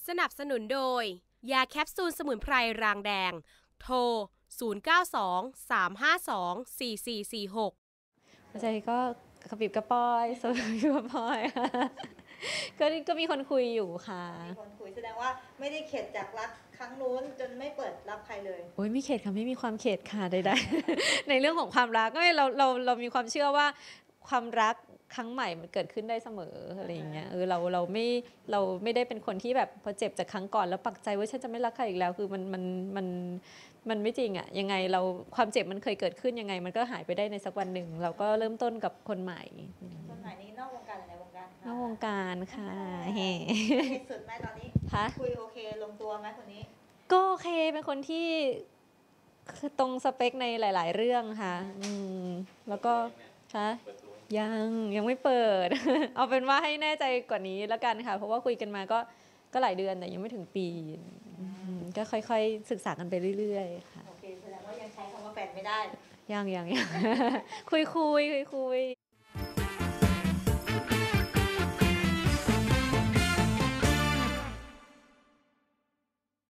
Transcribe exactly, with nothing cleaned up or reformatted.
สนับสนุนโดยยาแคปซูลสมุนไพรรางแดงโทรศูนย์ เก้า สอง สาม ห้า สอง สี่ สี่ สี่ หกหัวใจก็กระปิบกระปอยสวยกระปอยก็ก็มีคนคุยอยู่ค่ะมีคนคุยแสดงว่าไม่ได้เข็ดจากรักครั้งนู้นจนไม่เปิดรับใครเลยโอ้ยไม่เข็ดค่ะไม่มีความเข็ดค่ะใดๆ ในเรื่องของความรักก็เราเราเรามีความเชื่อว่าความรักครั้งใหม่มันเกิดขึ้นได้เสมออะไรอย่างเงี้ยเออเราเราไม่เราไม่ได้เป็นคนที่แบบพอเจ็บจากครั้งก่อนแล้วปักใจว่าฉันจะไม่รักใครอีกแล้วคือมันมันมันมันไม่จริงอะยังไงเราความเจ็บมันเคยเกิดขึ้นยังไงมันก็หายไปได้ในสักวันหนึ่งเราก็เริ่มต้นกับคนใหม่คนใหม่นี้นอกวงการหรือในวงการนอกวงการค่ะเฮ้สุดไหมตอนนี้คุยโอเคลงตัวไหมคนนี้ก็โอเคเป็นคนที่ตรงสเปคในหลายๆเรื่องค่ะอืมแล้วก็ค่ะยังยังไม่เปิด เอาเป็นว่าให้แน่ใจกว่านี้แล้วกันค่ะเพราะว่าคุยกันมาก็ก็หลายเดือนแต่ยังไม่ถึงปีก็ค่อยๆศึกษากันไปเรื่อยๆค่ะโอเคแสดงว่ายังใช้คำว่าแฟนไม่ได้ยังยังยังคุยคุยคุยคุย